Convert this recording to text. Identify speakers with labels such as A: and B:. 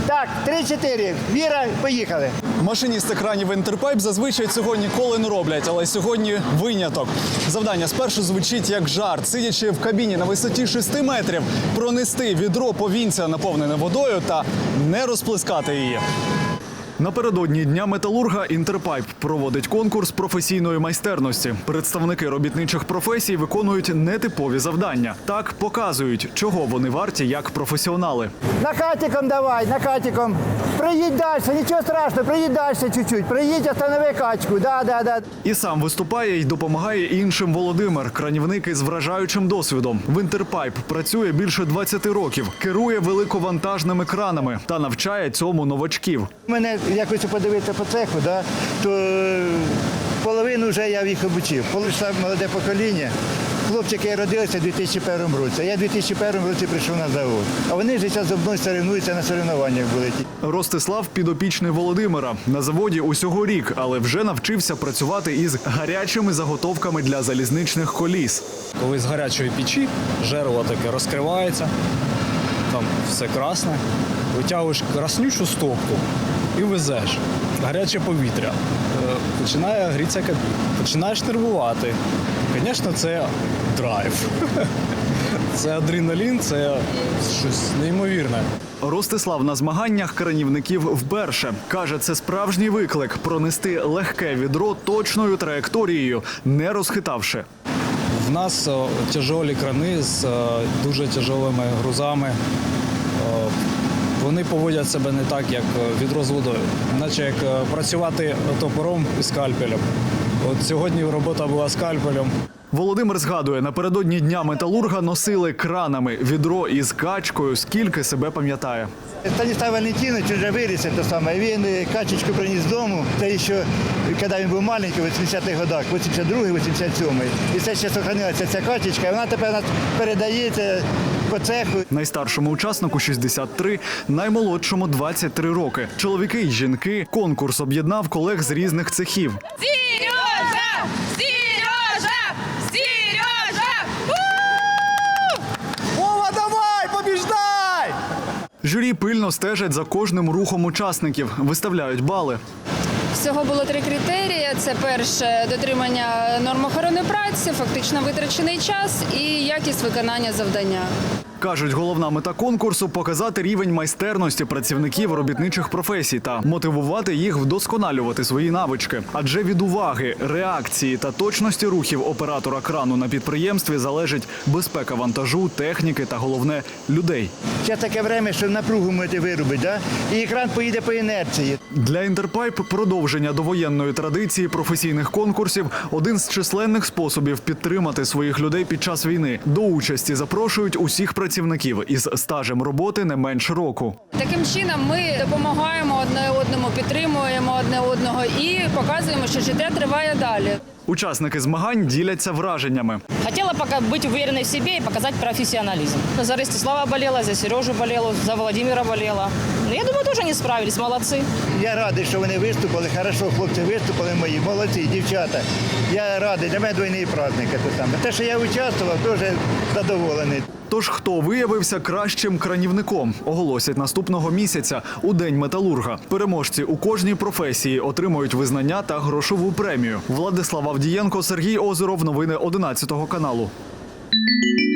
A: Так, 3-4. Віра, поїхали.
B: Машиністи кранів «Інтерпайп» зазвичай цього ніколи не роблять, але сьогодні виняток. Завдання спершу звучить як жарт. Сидячи в кабіні на висоті 6 метрів, пронести відро повінця, наповнене водою, та не розплескати її. Напередодні Дня металурга «Інтерпайп» проводить конкурс професійної майстерності. Представники робітничих професій виконують нетипові завдання. Так показують, чого вони варті як професіонали.
A: Накатиком давай, накатиком. Проїдь далі, нічого страшного, проїдь далі чуть-чуть. Проїдь, останови качку, да.
B: І сам виступає й допомагає іншим Володимир, кранівник із вражаючим досвідом. В «Інтерпайп» працює більше 20 років, керує великовантажними кранами та навчає цьому новачків.
A: Мене, як хочу подивитися по цеху, да, то половину вже я їх обучив. Полишла молоде покоління. Хлопчики родилися у 2001 році. Я у 2001 році прийшов на завод. А вони вже зараз зі мною соревнуються на соревнованнях були.
B: Ростислав – підопічний Володимира. На заводі усього рік, але вже навчився працювати із гарячими заготовками для залізничних коліс.
C: Коли з гарячої печі жерло таке розкривається, там все красне, витягуєш краснючу стопку і везеш. Гаряче повітря. Починає грітися кабіна. Починаєш нервувати. Звісно, це драйв. Це адреналін, це щось неймовірне.
B: Ростислав на змаганнях кранівників вперше. Каже, це справжній виклик – пронести легке відро точною траєкторією, не розхитавши.
C: В нас тяжолі крани з дуже тяжолими грузами. Вони поводять себе не так, як відро з водою. Наче як працювати топором і скальпелем. От сьогодні робота була скальпелем.
B: Володимир згадує, напередодні Дня металурга носили кранами відро із качкою, скільки себе пам'ятає.
A: Станіслав Валентинович вже виріс, те саме. Він качечку приніс додому. Це ще, коли він був маленький, в 80-х годах, 82-й, 87-й. І це ще зберігається ця качечка. Вона тепер передається по цеху.
B: Найстаршому учаснику 63, наймолодшому 23 роки. Чоловіки й жінки. Конкурс об'єднав колег з різних цехів.
D: Сережа! Сережа! Сережа!
A: Вова, давай, побіждай!
B: Журі пильно стежать за кожним рухом учасників, виставляють бали.
E: Всього було 3 критерії. Це перше – дотримання норм охорони праці, фактично витрачений час і якість виконання завдання.
B: Кажуть, головна мета конкурсу – показати рівень майстерності працівників робітничих професій та мотивувати їх вдосконалювати свої навички. Адже від уваги, реакції та точності рухів оператора крану на підприємстві залежить безпека вантажу, техніки та, головне, людей.
A: Зараз таке время, що напругу можете виробити, да? І екран поїде по інерції.
B: Для «Інтерпайп» продовження довоєнної традиції професійних конкурсів – один з численних способів підтримати своїх людей під час війни. До участі запрошують усіх працівників із стажем роботи не менш року.
E: Таким чином ми допомагаємо одне одному, підтримуємо одне одного і показуємо, що життя триває далі.
B: Учасники змагань діляться враженнями.
F: Хотела пока быть уверенной в себе и показать профессионализм. За Ростислава болела, за Сережу болела, за Владимира болела. Но я думаю, тоже они справились, молодцы.
A: Я радий, що вони виступили. Хорошо, хлопці виступили мої, молодці, дівчата. Я радий, для мене двойний праздник. Те, що я участвував, теж задоволений.
B: Тож хто виявився кращим кранівником, оголосять наступного місяця у День металурга. Переможці у кожній професії отримують визнання та грошову премію. Владислав Авдієнко, Сергій Озеров. Новини 11 каналу.